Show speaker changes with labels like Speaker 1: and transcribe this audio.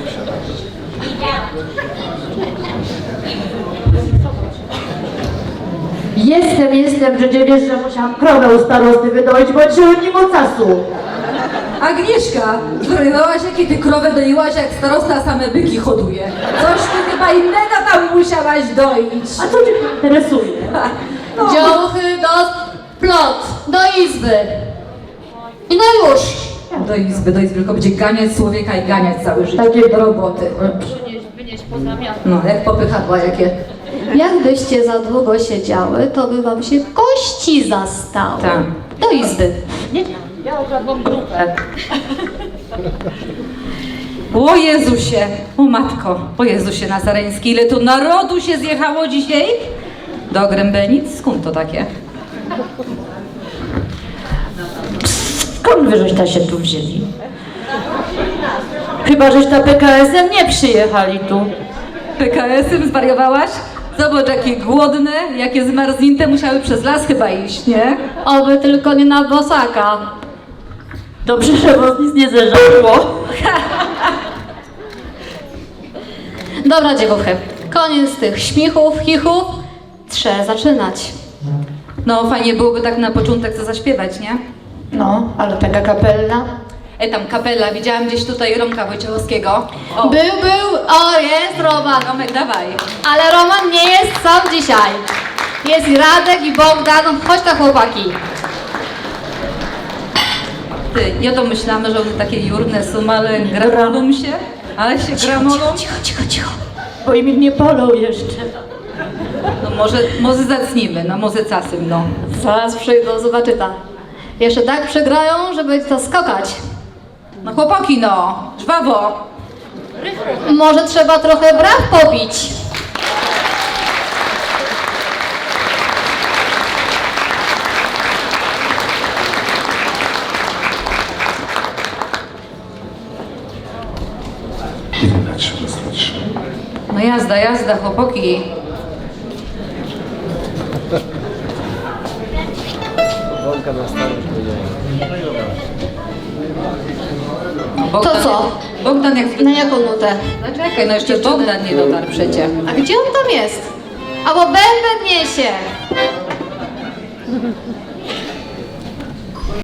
Speaker 1: Jestem, przecież wiesz, że musiałam krowę u starosty wydoić, bo dzisiaj nie ma czasu.
Speaker 2: Agnieszka, zwariowałaś, jakie ty krowę doiłaś, jak starosta same byki hoduje. Coś ty chyba innego tam musiałaś doić.
Speaker 1: A co cię interesuje?
Speaker 2: No.
Speaker 3: Działchy do plot, do izby. I no już.
Speaker 2: Do izby, tylko będzie ganiać człowieka i ganiać całe życie.
Speaker 1: Takie
Speaker 2: do roboty.
Speaker 3: Wynieść poza miasto.
Speaker 2: No, jak popychadła jakie.
Speaker 3: Jakbyście za długo siedziały, to by wam się kości zastały.
Speaker 2: Tak.
Speaker 3: Do izby.
Speaker 1: Nie, ja okradłam grupę.
Speaker 2: O Jezusie, o matko, o Jezusie Nazareński, ile tu narodu się zjechało dzisiaj? Do Grębenic? Skąd to takie?
Speaker 1: Skąd wy żeś ta się tu wzięli? Chyba żeś ta PKS-em nie przyjechali tu.
Speaker 2: PKS-em zwariowałaś? Zobacz, jakie głodne, jakie zmarznięte musiały przez las chyba iść, nie?
Speaker 3: Oby tylko nie na bosaka.
Speaker 1: Dobrze, że was nic nie zeżarło.
Speaker 3: Dobra, dziewuchy, koniec tych śmichów, chichów. Trzeba zaczynać.
Speaker 2: No, fajnie byłoby tak na początek co zaśpiewać, nie?
Speaker 1: No, ale taka kapella.
Speaker 2: Tam kapela, widziałam gdzieś tutaj Romka Wojciechowskiego. O,
Speaker 3: Był, o jest Roman.
Speaker 2: Romek, dawaj.
Speaker 3: Ale Roman nie jest sam dzisiaj. Jest i Radek, i Bogdan. Chodź na chłopaki.
Speaker 2: Ty, ja to myślałam, że one takie jurne są, ale gramolą się. Ale się gramolą.
Speaker 3: Cicho.
Speaker 1: Bo im nie polą jeszcze.
Speaker 2: No może zacnijmy, no może czasem, no.
Speaker 3: Zaraz przyjdą, zobaczyta. Jeszcze tak przegrają, że będzie to skakać.
Speaker 2: No chłopaki, no, żwawo.
Speaker 3: Może trzeba trochę braw pobić.
Speaker 4: Inne trzeba zrobić.
Speaker 2: No jazda, chłopaki.
Speaker 5: Wolka na starość
Speaker 2: Bogdan,
Speaker 3: To co?
Speaker 2: Bogdan jak zwykle.
Speaker 3: Na jaką nutę?
Speaker 2: No czekaj, no jeszcze Bogdan nie dotarł przecie.
Speaker 3: A gdzie on tam jest? A bo bęben niesie.